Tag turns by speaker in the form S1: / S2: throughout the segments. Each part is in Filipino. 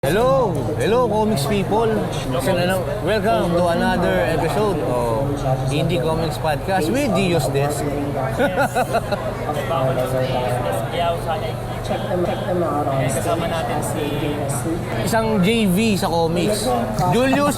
S1: Hello, comics people. Welcome to another episode of Indie Comics Podcast with Dio's Desk.
S2: Check them out on
S3: Kasama natin si
S1: Isang JV sa comics. Julius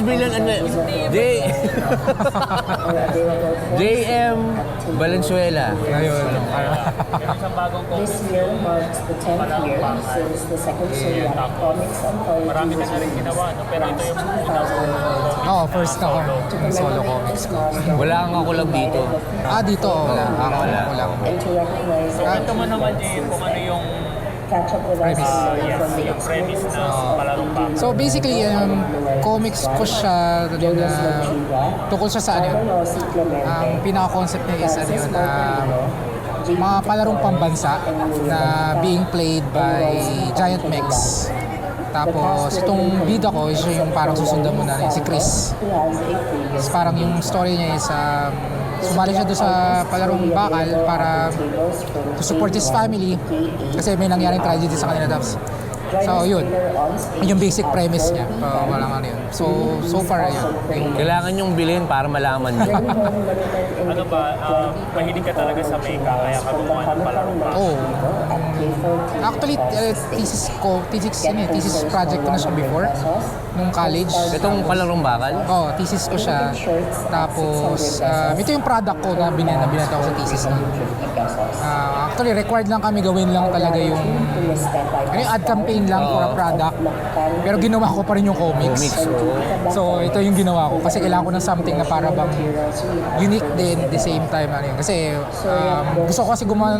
S1: JM Valenzuela.
S2: Ayun.
S3: isang bagong
S2: This year marks the 10th year since the second Zodiac Comics Anthology
S3: marami
S2: was
S3: na rin ginawa, no? Pero ito yung
S4: Oo, first ako. Solo comics.
S1: Wala kang kakulab dito.
S4: Dito. Wala. Wala.
S2: and to recognize
S3: ito mo naman, Jay, kung ano yung
S2: catch up with us from the
S3: yung premise na palarong pa.
S4: So basically, comics ko siya na tukol siya sa ano yun. Ang pinaka-concept niya is ano yun, mga palarong pambansa na being played by giant mechs. Tapos itong bida ko is yung parang susundan mo na si Chris. Tapos parang yung story niya is sumali siya doon sa palarong bakal para to support his family kasi may nangyaring tragedy sa kanila. So yun yung basic premise niya. Walang ano yun. So far yun.
S1: Kailangan yung bilhin para malaman nyo.
S3: Ano ba, mahilig ka talaga sa mecha, kaya ka gumawa ng palarong pa.
S4: Oh. Actually, thesis project ko na siya before nung college.
S1: Itong palarong bakal.
S4: Thesis ko siya. Tapos, ito yung product ko na binenta ko sa thesis na. Actually, required lang kami gawin lang talaga yung ad campaign lang for a product. Pero ginawa ko pa rin yung comics. So, ito yung ginawa ko. Kasi kailangan ko ng something na para bang unique din at the same time. Kasi gusto ko kasi gumawa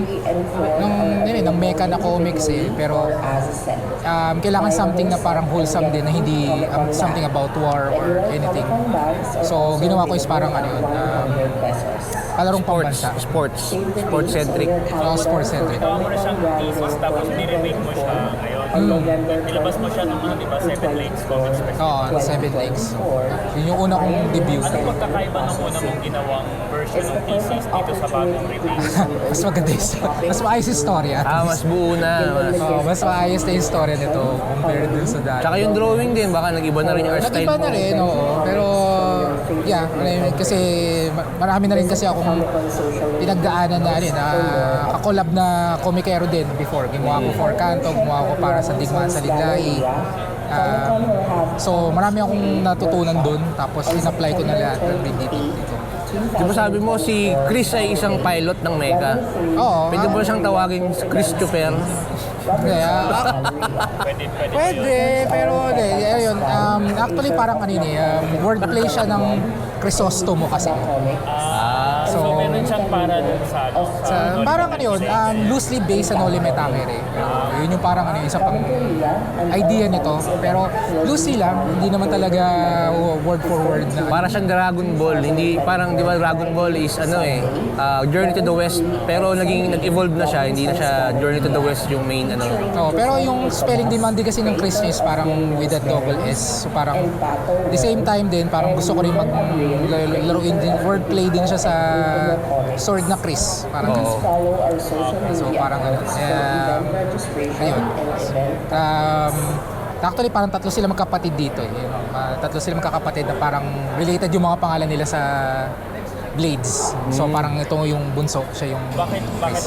S4: ng mecha na comics eh. Pero kailangan something na parang wholesome din na hindi something about war or anything. So, ginawa ko is parang ano yun. Palarong pambansa.
S1: Sports-centric.
S4: Sports-centric.
S3: Gawa mo na siyang thesis, tapos niremake mo siya ngayon. Nilabas mo siya ng mga, di ba, 7 Lakes Comics Festival.
S4: 7 Lakes. Yun yung una kong debut.
S3: Anong pagkakaiba ng una mong ginawang version ng thesis dito sa bagong release?
S4: Mas maganda mas maayos yung storya.
S1: Mas buo na.
S4: Mas maayos na yung storya nito compared dun sa dati.
S1: Tsaka yung drawing din, baka nag-iba na rin yung art style
S4: Nag-iba
S1: mo.
S4: na rin, oo. Pero, kasi marami na rin kasi akong pinagdaanan na kakolab na komikero din before. Gumawa ko for Kanto, gumawa ko para sa Digmaan sa Liglay. So, marami akong natutunan dun. Tapos, in-apply ko na lahat ng dito.
S1: Di ba sabi mo si Chris ay isang pilot ng mecha?
S4: Oo.
S1: Pwede mo siyang tawagin Christopher?
S4: Pwede, pero ayun, actually parang wordplay siya ng Crisostomo kasi.
S3: So meron siyang para dun sa
S4: Parang loosely based sa Noli Me Tangere. Yun yung parang isa pang idea nito. Pero loosely lang, hindi naman talaga word for word na.
S1: Para siyang Dragon Ball. Hindi, parang di ba Dragon Ball is Journey to the West. Pero nag-evolve na siya. Hindi na siya Journey to the West yung main
S4: Pero yung spelling demanding kasi ng Chris is parang with a double S. So parang the same time din, parang gusto ko rin laruin din, wordplay din siya sa sword na Chris. Parang so parang ayun. Actually, parang tatlo sila magkapatid dito. Tatlo sila magkakapatid na parang related yung mga pangalan nila sa Blades. So parang ito yung bunso, siya yung
S3: bakit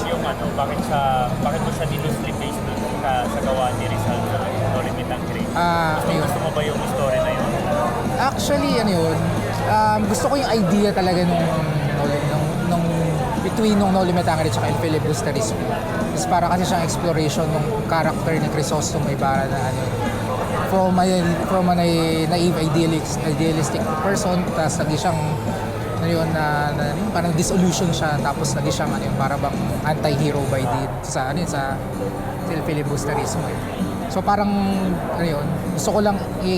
S3: mo siya loosely based dun sa gawa ni Rizal sa Noli Me Tangere? Gusto mo ba yung story na yun?
S4: Actually, gusto ko yung idea talaga nung between Noli Me Tangere at El Filibusterismo. Is para kasi siyang exploration ng character ni Crisostomo Ibarra na from a naive idealistic person, tapos naging siyang parang disillusion siya, tapos naging siyang para bang anti-hero by sa El Filibusterismo. So parang gusto ko lang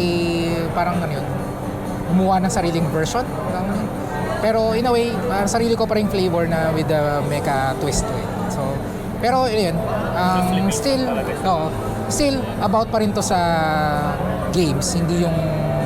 S4: gumawa ng sariling version. Pero in a way, sarili ko pa rin flavor na with the mecha twist to it. So, pero yun, still about pa rin to sa games, hindi yung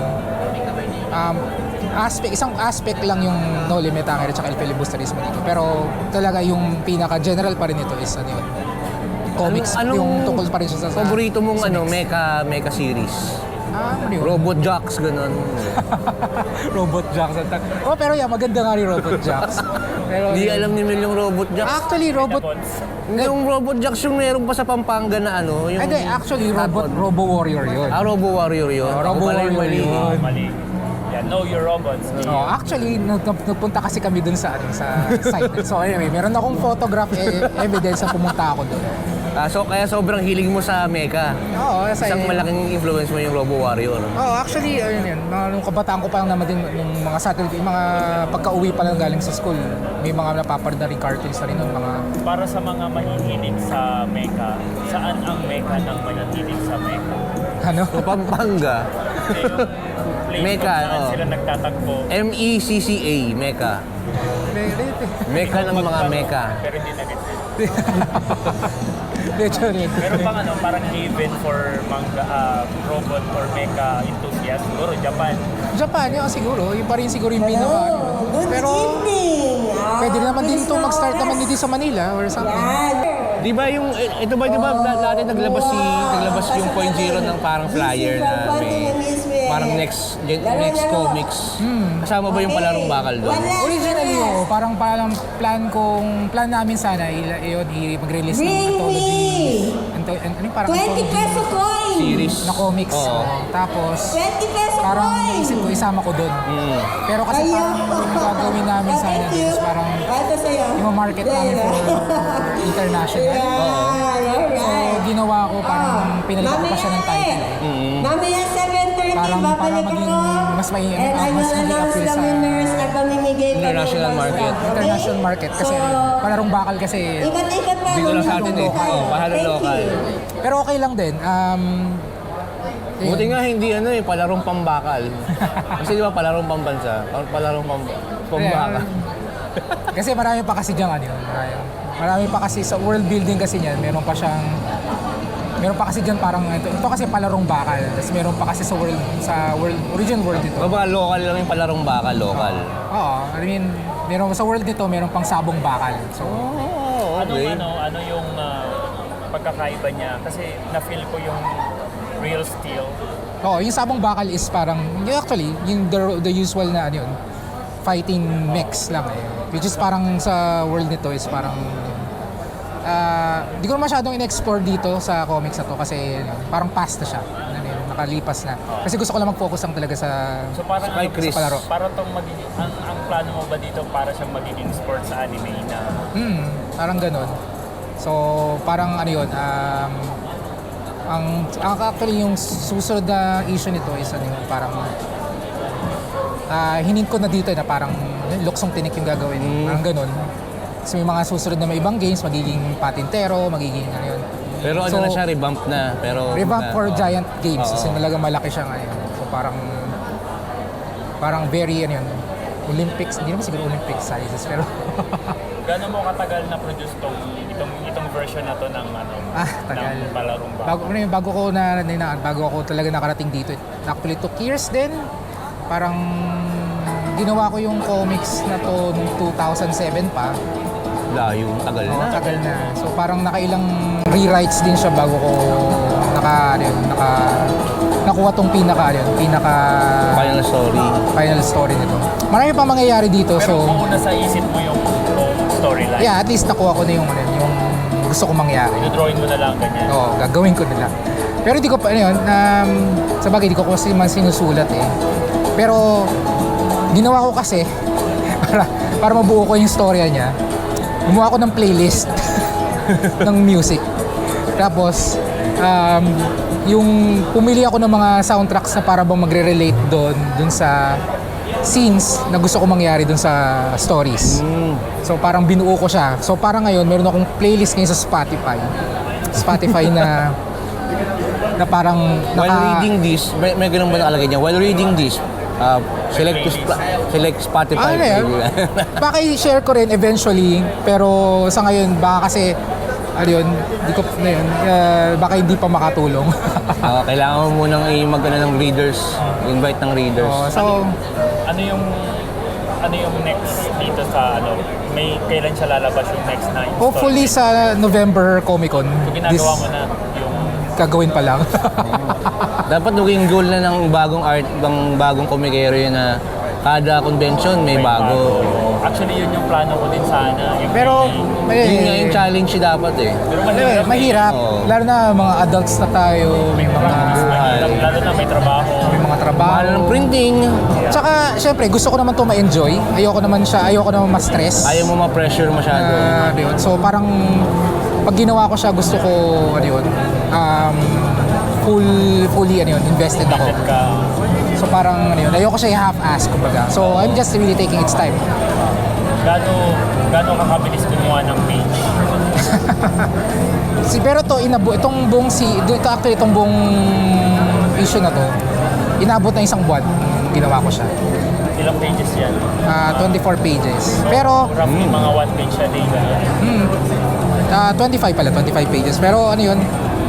S4: isang aspect lang yung Noli Me Tangere at El Filibusterismo dito. Pero talaga yung pinaka-general pa rin ito is comics, yung tungkol pa rin siya sa
S1: paborito mong
S4: sa
S1: ano,
S4: mix.
S1: mecha series?
S4: Ano yun?
S1: Robot Jocks, ganun.
S4: Robot Jocks. Oh, pero yeah, maganda nga rin Robot Jocks. Pero,
S1: Hindi alam ni Mel yung Robot Jocks.
S4: actually, Robot...
S1: Yung Robot Jocks yung meron pa sa Pampanga na ano. Yung
S4: Hindi, actually, Robo Warrior yun.
S1: Robo Warrior yun.
S4: Robo
S1: Ako pala yung
S4: Warrior
S1: mali.
S4: yun.
S3: Mali. Yeah, know your robots.
S4: Oh, actually, nagpunta kasi kami dun sa site. So anyway, meron akong photograph evidence na pumunta ako dun.
S1: So kaya sobrang hilig mo sa mecha.
S4: Oo,
S1: Isang malaking influence mo yung Robo Warrior.
S4: Oh, actually, ayun yun. Nung kabataan ko pa lang naman din, nung mga Saturday, mga pagka-uwi pa lang galing sa school, may mga napapanood na rin cartoons na rin nun, mga...
S3: Para sa mga mahihilig sa mecha, saan ang mecha ng mahihilig sa mecha?
S4: Ano?
S1: So Pampanga.
S3: Place
S1: Mecha,
S3: kung saan
S1: oh.
S3: sila nagtatagpo.
S1: MECCA, mecha. Mecha ng mga mecha.
S3: Pero hindi na
S4: Medyo rin.
S3: Meron pang ano, parang haven for manga, robot or mecha enthusiast. Siguro Japan.
S4: Japan, yun siguro. Yung pa rin siguro yung pinaka. Pero, pwede naman din ito mag-start naman dito sa Manila or something.
S1: Di ba yung, ito ba, di ba dati naglabas yung Point Zero ng parang flyer na may parang next comics. Kasama ba yung palarong bakal doon?
S4: Originally, parang plan namin sana mag-release ng anthology. Ano yung parang
S5: 20 peso coin!
S1: Series.
S4: na comics.
S1: Oo.
S4: Tapos,
S5: 20 peso
S4: parang
S5: coin!
S4: naisip ko, isama ko doon. Pero kasi parang yung gagawin namin sana
S5: Thank you.
S4: is parang
S5: Ito sa'yo.
S4: yung market namin for international. So, ginawa ko parang pinalitan ko pa siya ng title.
S5: Mamaya 7:30,
S4: Para
S5: babalik
S4: maging
S5: ako.
S4: mas may-
S5: And I
S4: mas
S5: will
S4: maging
S5: announce
S4: appeal
S5: the
S4: sa
S5: winners na pamimigay pa ng
S1: international
S5: mga
S1: market.
S5: staff, okay?
S4: International market kasi palarong bakal kasi.
S5: Ikat-ikat pa.
S1: Dito lang sa atin eh.
S5: Local.
S1: Oo, pahalong
S5: Thank
S1: local.
S5: you.
S4: Pero okay lang din.
S1: Buti nga hindi palarong pambakal. Kasi di ba palarong pambansa? Palarong pambakal.
S4: Kasi marami pa kasi diyan ano yun. Marami pa kasi sa world building kasi niyan, meron pa kasi diyan parang ito kasi palarong bakal. Tapos meron pa kasi sa original world nito.
S1: Baka local lang yung palarong bakal, local.
S4: Oo, I mean, meron sa world nito, meron pang sabong bakal. So,
S1: Okay.
S3: Ano yung pagkakaiba niya? Kasi na-feel ko yung real steel.
S4: yung sabong bakal is parang actually yung the usual na ano yun, fighting mechs lang eh. Which is parang sa world nito is parang di ko masyadong in-explore dito sa comics na to kasi parang past na siya. Nakalipas na. Kasi gusto ko lang mag-focus lang talaga sa
S3: So parang
S1: Sky Chris.
S4: palaro.
S3: para tong magiging ang plano mo ba dito para siyang magiging sports sa anime na
S4: Parang ganun. So, parang ano yun, actually yung susunod na issue nito is ano yun, parang hinint ko na dito na parang luksong tinik yung gagawin. Parang ganun. So, may mga susunod na may ibang games, magiging patintero, magiging ano yun.
S1: Pero ano
S4: So,
S1: na siya, revamp na. Pero
S4: Revamp for
S1: Oo.
S4: giant games.
S1: Oo.
S4: Kasi talaga malaki siya ngayon. So, parang very ano yun, Olympics, hindi naman siguro Olympics sizes, pero
S3: Gano'n mo katagal na produce itong version na to ng
S4: tagal.
S3: ng palarong bakal?
S4: bago ako talaga nakarating dito. Actually, took years din. Parang ginawa ko yung comics na to noong 2007 pa.
S1: Layo, tagal na.
S4: Tagal na. So parang nakailang rewrites din siya bago ko nakuha tong pinaka
S1: Final story.
S4: final story nito. Marami pa mangyayari dito.
S3: Pero
S4: So
S3: mauna sa isip mo yung storyline.
S4: yeah, at least nakuha ko na yung gusto ko mangyari.
S3: Drawing mo na lang ganyan.
S4: Oo, gagawin ko nila. Pero di ko pa, sa bagay, di ko kasi man sinusulat eh. Pero, ginawa ko kasi, para mabuo ko yung storya niya, gumawa ko ng playlist ng music. Tapos, yung pumili ako ng mga soundtracks na para bang magre-relate doon sa scenes na gusto ko mangyari doon sa stories. So parang binuo ko siya. So parang ngayon meron akong playlist ngayon sa Spotify na parang
S1: While reading this, may ganun ba nakalagay niya? While reading this, select Spotify.
S4: ano yan? Baka i-share ko rin eventually, pero sa ngayon baka kasi baka hindi pa makatulong.
S1: Kailangan mo munang mag-ano ng readers, invite ng readers.
S4: So,
S3: Ano yung ano yung next dito sa ano? May kailan siya lalabas yung next na installment?
S4: Hopefully sa November Comic Con.
S3: So, ginagawa mo na yung
S4: Gagawin pa lang.
S1: Dapat maging goal na ng bagong komikero yun na kada convention may bago.
S3: Actually, yun yung plano ko din sana. Yung
S4: Pero,
S1: Yun nga yung challenge dapat eh.
S3: Pero
S4: mahirap.
S1: Oo.
S4: Lalo na mga adults na tayo, may mga
S3: Lalo na may trabaho.
S1: Mahal
S4: trabaho.
S1: ng printing.
S4: Tsaka, syempre, gusto ko naman to ma-enjoy. Ayoko naman ma-stress.
S1: Ayaw mo ma-pressure masyado.
S4: Yun. So, parang, pag ginawa ko siya, gusto ko, fully, invested ako. So, parang, ayoko siya i-half-ass, kumbaga. So, I'm just really taking its time.
S3: Gano'n kakabilis gumawa ng page?
S4: Pero itong buong itong buong issue na to, inabot na isang buwan ginawa ko siya.
S3: Ilang pages yan?
S4: 24 pages. Pero,
S3: Roughly mga 1 page a day.
S4: 25 pages. Pero ano yun,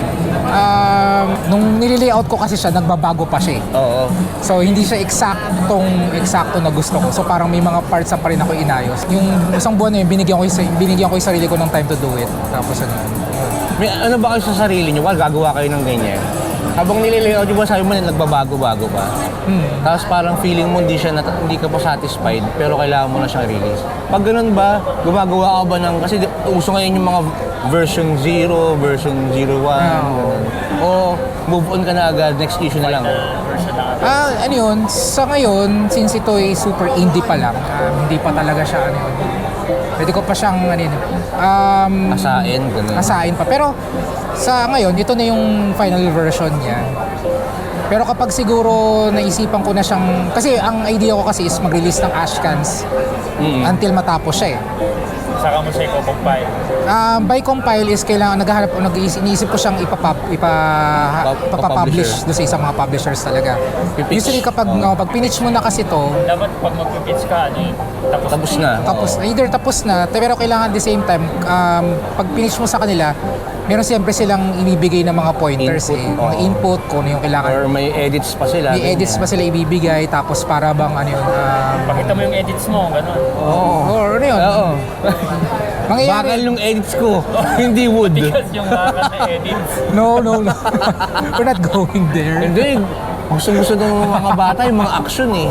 S4: nung nililayout ko kasi siya, nagbabago pa siya eh.
S1: Oo.
S4: So, hindi siya eksakto na gusto ko. So, parang may mga parts na pa rin ako inayos. Yung isang buwan na yun, binigyan ko yung sarili ko ng time to do it. Tapos
S1: May ano ba kayo sa sarili nyo? Gagawa kayo ng ganyan. Habang nililayout, di ba sabi mo na nagbabago-bago pa? Tapos parang feeling mo hindi ka pa satisfied, pero kailangan mo na siyang release. Pag ganun ba, gumagawa ka ba ng, kasi uso ngayon yung mga version 0, version 01, ganun. O move on ka na agad, next issue na lang.
S4: ano yun, sa ngayon, since ito ay super indie pa lang, hindi pa talaga siya, pwede ko pa siyang,
S1: Asain, ganun.
S4: asain pa. Pero, sa ngayon, ito na yung final version niya. Pero kapag siguro naisipan ko na siyang, kasi ang idea ko kasi is mag-release ng Ashcans until matapos siya eh.
S3: Saka mo siya i-compile.
S4: By compile is kailangan iniisip ko siyang ipapublish doon sa isang mga publishers talaga.
S1: Pipitch.
S4: Usually kapag pag pinitch mo na kasi to,
S3: Dapat pag mag-pitch ka,
S1: Tapos na.
S4: either tapos na, pero kailangan at the same time, pag pinitch mo sa kanila, meron siyempre silang ibibigay ng mga pointers
S1: Input,
S4: mga input, kung ano yung kailangan.
S1: Or may edits pa sila.
S4: May edits pa sila ibibigay, tapos para bang
S3: Pakita mo yung edits mo, gano'n.
S4: or ano yun,
S1: Oo. Bakal
S4: mangyayari.
S1: yung edits ko, hindi wood.
S3: Because yung bakal na edits.
S4: No. We're not going there.
S1: Hindi. Gusto ng mga bata yung mga action eh.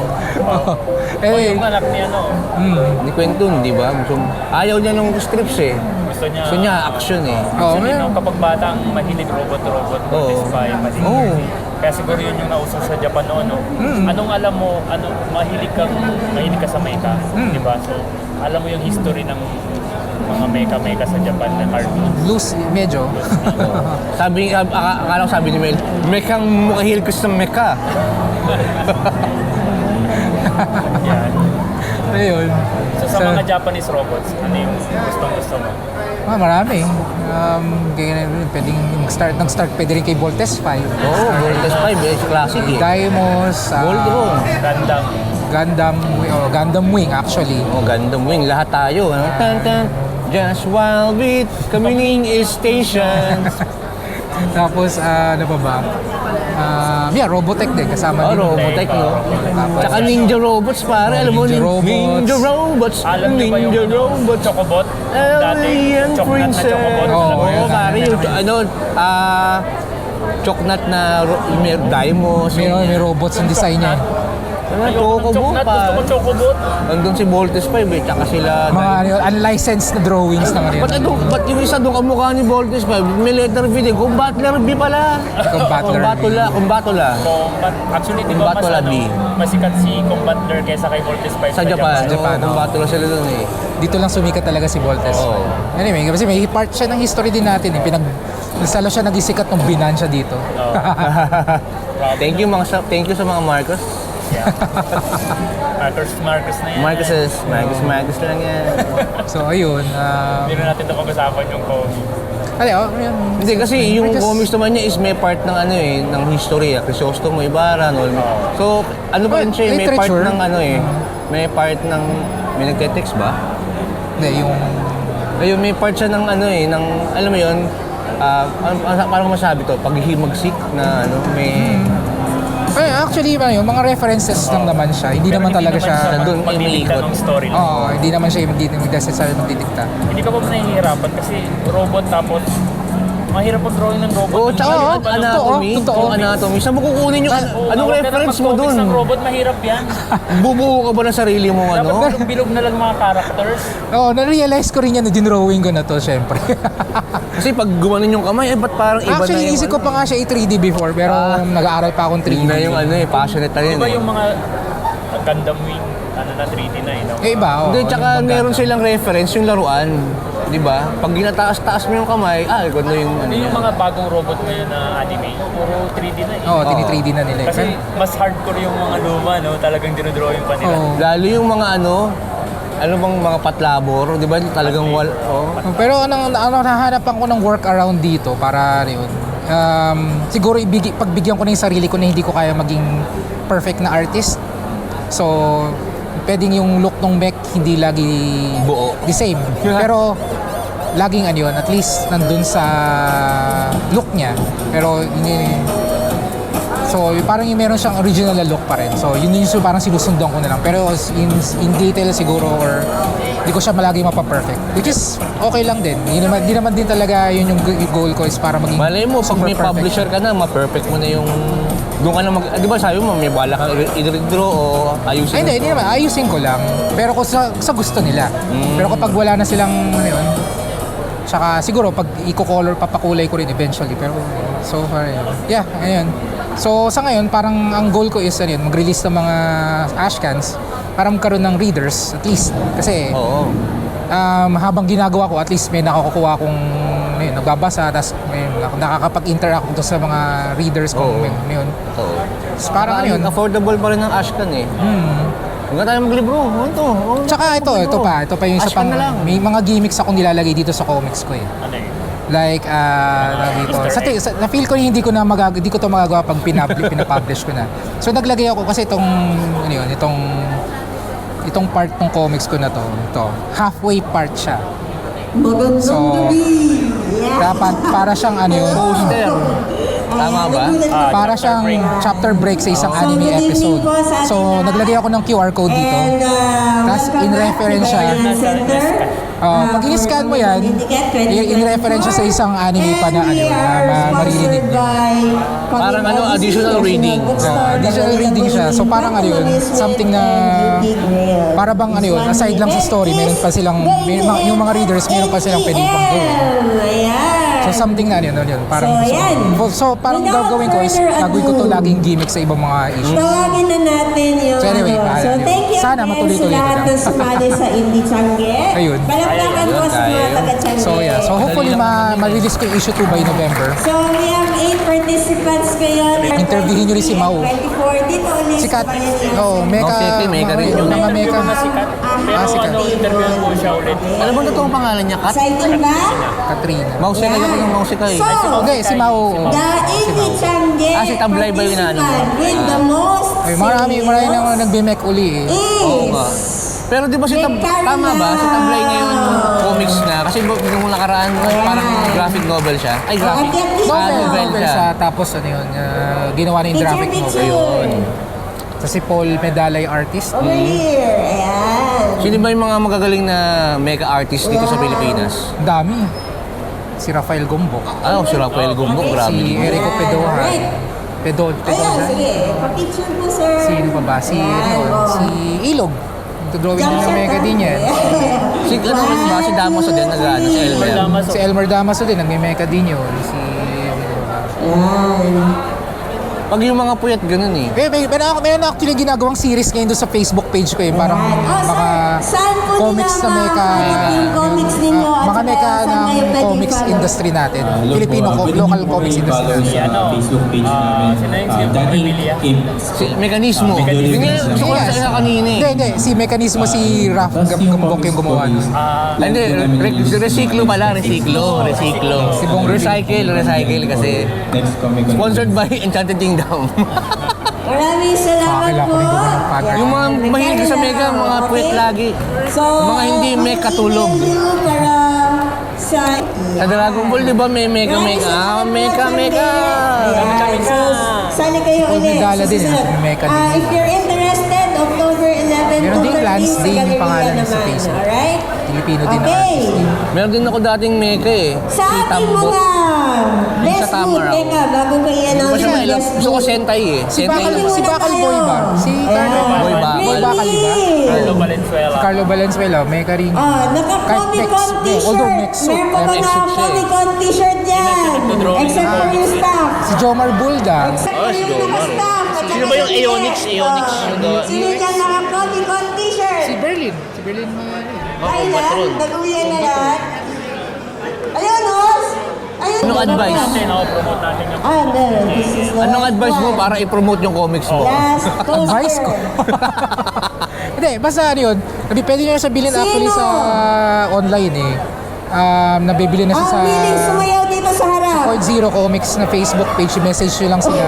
S3: O yung anak niya,
S1: Ni Quentin, di ba? Ayaw niya ng scripts eh. Gusto niya action eh.
S3: Actually, kapag bata ang mahilig robot-robot, satisfy,
S1: Oo.
S3: Kaya siguro yun yung nauso sa Japan noon, no? Anong alam mo, mahilig ka sa mecha, di ba? So, alam mo yung history ng mga mecha sa Japan na cartoons.
S4: Loose, medyo.
S1: Akala ko sabi ni Mel, mekang mukahil ko sa meka.
S3: Yan.
S4: Ayun.
S3: So, sa mga Japanese robots, ano yung gustong-gusto mo?
S4: Marami. Pwedeng nag-start pwede rin kay Voltes 5.
S1: Oo, Voltes 5 eh, classic eh.
S4: Daimos,
S1: Voltron.
S4: Gundam Wing actually.
S1: Oh, Gundam Wing, lahat tayo. Ano? Tan. Just wild beat, communing is stations.
S4: Tapos ano pa ba? Robotech din kasama din.
S1: Robotech, no?
S4: Tapos,
S1: Tsaka Ninja Robots, pare. Alam mo,
S4: Ninja Robots.
S1: Ninja Robots.
S3: Alam niyo ba yung
S1: Ninja Robots.
S3: Chocobot? Dati,
S1: Alien
S3: choknat na
S1: Princess.
S3: Chocobot.
S4: Oo,
S1: Oo,
S4: yun.
S1: pare. Yung, choknat na may Daimos.
S4: may robots ang design niya.
S1: Chocobot,
S3: Gusto
S1: pare.
S3: ko Chocobot.
S1: Nandun si Voltes 5 eh, tsaka sila
S4: Mga unlicensed na drawings na ganyan.
S1: Ba't yung isa doon kamukha ni Voltes 5? May letter V din. Kung Battler B pala. Kumbatula.
S3: Actually, di ba
S1: Combatula B.
S3: masikat si Combatler kaysa kay Voltes 5
S1: Sa Japan.
S4: Japan, oo.
S1: Kumbatula sila doon eh.
S4: Dito lang sumikat talaga si Voltes.
S1: Oo.
S4: Anyway, kasi may part siya ng history din natin eh. Lalo siya nagisikat nung binansya dito.
S1: Thank you sa mga Marcos.
S3: Yeah. Marcos na yan.
S1: Marcos lang yan.
S4: So ayun.
S3: Hindi na natin ito pag-usapan yung Kobe.
S4: Yun.
S1: Hindi kasi yung
S4: Just-
S1: comics naman niya is may part ng ng history. Crisostomo Ibarra, So ano pa rin siya, may part
S4: Literature.
S1: ng may part ng may nagte-text ba?
S4: Hindi, yung
S1: Ayun, may part siya ng ng alam mo yun, parang masabi to, paghihimagsik na may
S4: Actually, yung mga references lang naman siya. Hindi
S3: Pero
S4: naman talaga siya...
S1: doon
S3: magdidikta
S1: umiikot.
S3: ng story lang.
S4: Oo, hindi naman siya hindi necessarily magdidikta.
S3: Hindi ka ba nahihirapan kasi robot tapos mahirap ang drawing ng robot.
S1: Oo, tsaka
S4: Oo,
S1: anatomy.
S4: totoo.
S1: Yung anatomy. Saan mo kukunin yung... Anong reference mo dun?
S3: ng robot, mahirap yan.
S1: Bubuo ka ba ng sarili mong ano?
S3: Dapat bilog na lang mga characters.
S4: Oo, na-realize ko rin yan na dinrawing ko na to, syempre.
S1: Kasi pag gumanon yung kamay, ba't parang iba na
S4: Actually,
S1: yung...
S4: isip ko pa nga siya i-3D before, pero nag-aaral pa akong 3D.
S1: Yun na yung ano eh, passionate na yun
S3: Diba
S1: eh.
S3: yung mga Gundam Wing, ano na 3D na no?
S4: Eh, iba, oo.
S1: Hindi, tsaka
S4: Yung
S1: meron
S4: pagkata.
S1: silang reference yung laruan. Di ba? Pag ginataas-taas mo yung kamay, ganda yung ano
S3: Yung
S1: yan.
S3: mga bagong robot ngayon na anime, puro 3D na eh.
S4: Oo, tini-3D na nila.
S3: Kasi mas hardcore yung mga luma, no? Talagang dinodrawing pa nila.
S4: Oo.
S1: Lalo yung mga ano bang mga patlabor, di ba? Talagang
S4: Pero nahahanapan ko ng workaround dito para yun. Siguro pagbigyan ko na yung sarili ko na hindi ko kaya maging perfect na artist. So, pwedeng yung look ng mech hindi lagi
S1: Buo.
S4: the same. Pero laging ano yun, at least nandun sa look niya. Pero so parang yung meron siyang original na look pa rin. So yun yung parang sinusundan ko na lang. Pero in detail siguro or hindi ko siya malagi mapaperfect. Which is okay lang din. Di naman din talaga yun yung goal ko is para maging
S1: Malay mo, pag
S4: super
S1: may
S4: perfect.
S1: publisher ka na, ma-perfect mo na yung... Doon ka na di ba sabi mo, may bala kang i-redraw o ayusin
S4: Ay, hindi naman. Ayusin ko lang. Pero kung sa gusto nila. Pero kapag wala na silang, ano yun, tsaka siguro pag i-color, papakulay ko rin eventually. Pero so far, yun. Yeah, ayun. So sa ngayon, parang ang goal ko is, ano yun, mag-release ng mga ashcans para magkaroon ng readers, at least. Kasi,
S1: Oo.
S4: habang ginagawa ko, at least may nakukuha akong nagbabasa, tapos may nakakapag-interact ako sa mga readers kung
S1: Oo.
S4: may yun.
S1: Oo.
S4: So, parang ano yun.
S1: Affordable pa rin ng Ashcan eh. Huwag na tayo maglibro.
S4: Tsaka ito pa yung isa
S1: Ashcan
S4: pang,
S1: na lang.
S4: may mga gimmicks akong nilalagay dito sa comics ko eh.
S3: Ano yun?
S4: Like, dito. Na-feel ko hindi ko to magagawa pag pinapublish ko na. So naglagay ako kasi itong part ng comics ko na to, halfway part siya.
S5: Magandang
S4: So,
S5: gabi.
S4: Dapat para siyang ano yun,
S1: Poster. Tama ba?
S4: para siyang chapter break sa isang anime episode. So, naglagay ako ng QR code dito. Tas, in reference siya. Pag in-scan mo yan, in-reference siya sa isang anime pa na maririnig niyo.
S1: Parang additional reading.
S4: Additional reading siya. So, parang ano yun, something na para bang ano yun, aside lang sa story, meron pa silang, yung mga readers, meron pa silang pwedeng pang gawin. So, something na ano yun, parang so parang gagawin ko is gagawin ko to laging gimmick sa ibang mga issues.
S5: Tawagin na natin yung...
S4: So anyway,
S5: so thank you
S4: sana
S5: again
S4: matuloy-tuloy
S5: sa lahat
S4: na.
S5: na sumali sa Indie Changge.
S4: Ayun.
S5: Palakpakan po sa mga taga-Changge.
S4: So yeah, so hopefully ma-release ko yung issue 2 by November.
S5: So we have 8 participants ngayon.
S4: Interviewin niyo rin si Mau.
S5: 24. Dito ulit.
S4: Sikat. Oo,
S1: Meka rin yun.
S4: mga meka.
S3: Mga sikat. Pero
S4: sikat.
S3: interview ko siya ulit.
S1: Ano ba totoong pangalan niya? Kat?
S5: Exciting ba?
S4: Katrina.
S1: Mouse ka yung mouse ka eh.
S5: So,
S4: Hindi, si Mau.
S5: the Indie Changge
S1: Si Tablay ba yung inaano mo?
S5: participant with the most
S4: Ay, marami nang nagbe-mek uli eh.
S1: Oo nga. Pero di ba tama ba? Si Tablay ngayon comics na. Kasi nung nakaraan, parang graphic novel siya. Ay, graphic. Novel
S4: Novel
S1: siya.
S4: siya. Tapos ano yun, ginawa na yung graphic novel.
S5: Ayun.
S4: So si Paul Medala yung artist.
S5: Over here. Ayan.
S1: Sino ba yung mga magagaling na mega artist dito sa Pilipinas?
S4: Ang dami. Si Rafael Gombok.
S1: Si Rafael Gumbok, grabe.
S4: Si Erico Pedoja. Pedoja.
S5: Ayan, sige. Pa-picture po, sir.
S4: Sino pa ba? Si Ilog. Drawing din ng mega din yan.
S1: Si Damaso din nag-ano, si Elmer.
S4: Si Elmer Damaso din, nagme-mecha din yun.
S1: Pag yung mga puyat, ganun eh.
S4: Meron actually ginagawang series ngayon doon sa Facebook page ko eh. Parang mga
S5: saan po
S4: comics na
S5: nila
S4: mecha.
S5: yung comics ninyo? At
S4: Mga
S5: saka
S4: mecha
S5: saan
S4: ng
S5: kayo pwedeng
S4: comics
S5: follow?
S4: industry natin. Filipino
S6: Pwede
S4: local
S6: niyo po
S4: comics
S6: kami
S4: industry.
S6: i-follow sa Facebook page namin.
S3: sino yung si
S6: Danny
S3: Pamilya?
S6: Kim.
S1: Si Mekanismo.
S6: Mekanismo.
S1: Gusto ko sa kanina eh.
S4: Hindi. Si Mekanismo, si Raf Gambok yung gumawa nun.
S1: Hindi, recyclo pala, recyclo.
S4: Si Bong
S1: Recycle kasi.
S6: Next comic con.
S1: Sponsored by Enchanted Kingdom.
S5: Maraming salamat
S4: Kailangan
S5: po.
S4: ko rin gumawa ng podcast.
S1: Yung mga mahilig sa mega, mga puyat lagi.
S5: So,
S1: Mga hindi may katulog.
S5: Para sa...
S1: Sa Dragon Ball, di ba may mega? Mega.
S5: Ayan. So, sali kayo
S4: Paul
S5: ulit.
S4: Vidala din,
S5: Susunod.
S4: Mecha din.
S5: If you're interested, October 11
S4: Meron
S5: to
S4: din
S5: 13
S4: Lance
S5: sa
S4: Day, yung
S5: Galleria
S4: pangalan niya sa
S5: naman.
S4: Facebook.
S5: Alright?
S4: Filipino din na
S5: Okay.
S4: artist din.
S1: Meron din ako dating meka eh.
S5: Sa
S1: Si
S5: ating
S1: Tambot.
S5: mga best
S1: Sa
S5: food,
S1: Tamaraw.
S5: teka, bago ko
S1: Hindi ko
S5: i-announce
S1: pa siya
S5: yung
S1: mailang.
S5: best
S1: Gusto ko
S5: food.
S1: Sentai eh.
S4: Si
S1: Sentai
S4: Bakal,
S1: lang.
S4: si Bakal Boy ba? Si Carlo
S1: Boy Bakal.
S4: Boy Bakal ba?
S3: Carlo Valenzuela.
S4: Carlo Valenzuela, Meka rin.
S5: Naka-Comic Con
S4: Although
S5: t-shirt.
S4: next suit.
S5: Meron pa ba
S1: Next
S5: na
S1: suit siya eh.
S5: Comic Con t-shirt yan?
S3: nagdodrawing
S5: Except
S3: ng
S5: for yung staff.
S4: Si Jomar Bulda.
S5: Except for
S1: si
S5: yung
S1: Jomar.
S5: naka-staff. At
S1: Sino
S5: saka
S1: ba yung
S5: si
S1: Aeonix?
S5: Ted.
S1: Aeonix yung gawa.
S5: Sino dyan naka-Comic Con t-shirt?
S4: Si Berlin. Si Berlin Manalo.
S5: Ayun na,
S1: Patron.
S5: nag-uwian na lahat. Ayun, Os! Ayun,
S1: Anong advice?
S3: Natin, promote natin yung
S5: no, this is the
S1: Anong
S5: last
S1: advice mo
S5: one.
S1: para i-promote yung comics mo?
S5: Last
S4: Advice ko.
S5: poster.
S4: Hindi, basta ano yun. Pwede nyo na siya bilhin actually
S5: Sino?
S4: sa online eh. Nabibili na siya
S5: Ang
S4: sa
S5: willing sumayaw dito sa harap.
S4: Point Zero Comics na Facebook page. Message nyo lang sila.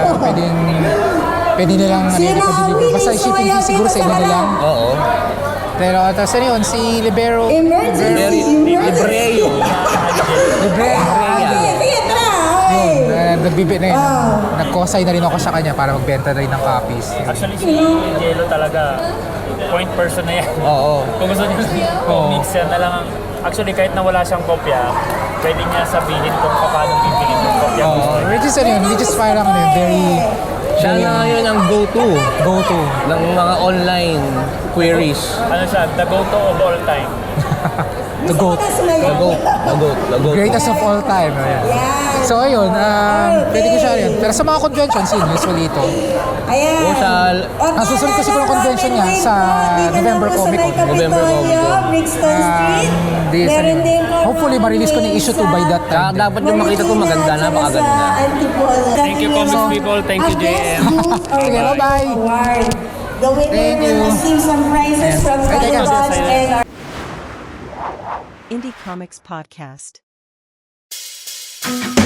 S4: Pwede nilang
S5: Sino ang
S4: deliver. Basta
S5: willing
S4: shipping
S5: sumayaw
S4: fee siguro
S5: dito
S4: sa
S5: sa
S4: inyo na lang.
S5: harap?
S1: Oo.
S4: Pero tapos ano yun, si Libero.
S5: Emergency.
S1: Libreo.
S4: Libero.
S5: Sige, sige, tara. Okay.
S4: Nagbibit na yun. Nag-cosay na rin ako sa kanya para magbenta na rin ng copies.
S3: Actually, si Jello talaga, point person na yan.
S1: Oo.
S3: Kung gusto niya comics, yan na lang. Actually, kahit na wala siyang kopya, pwede niya sabihin kung paano bibilin yung kopya.
S4: Which is parang ano yun, very
S1: Siya na ngayon ang go-to
S4: go-to.
S1: ng mga online queries.
S3: Ano siya, the go-to of all time.
S4: The GOAT.
S1: The goat. The goat. The goat.
S4: Greatest of all time. Ayan.
S5: Yan.
S4: So ayun, pwede ko siya rin. Pero sa mga conventions yun, usually ito.
S5: Ayan.
S1: O sa...
S4: Ang susunod ko siguro convention niya sa November Comic Con.
S1: November Comic Con.
S5: Brixton Street.
S4: This,
S5: Meron din po
S4: hopefully ma-release ko ng issue 2 by that
S1: Tsaka
S4: time.
S1: dapat yung makita ko maganda, napakaganda.
S3: Thank you, comics people. Thank you, JM.
S4: Sige, bye-bye.
S5: The winner
S4: Thank
S5: will
S4: you.
S5: receive some prizes from
S4: Ay, teka.
S5: Comic-Con and our
S7: Indie Comics Podcast.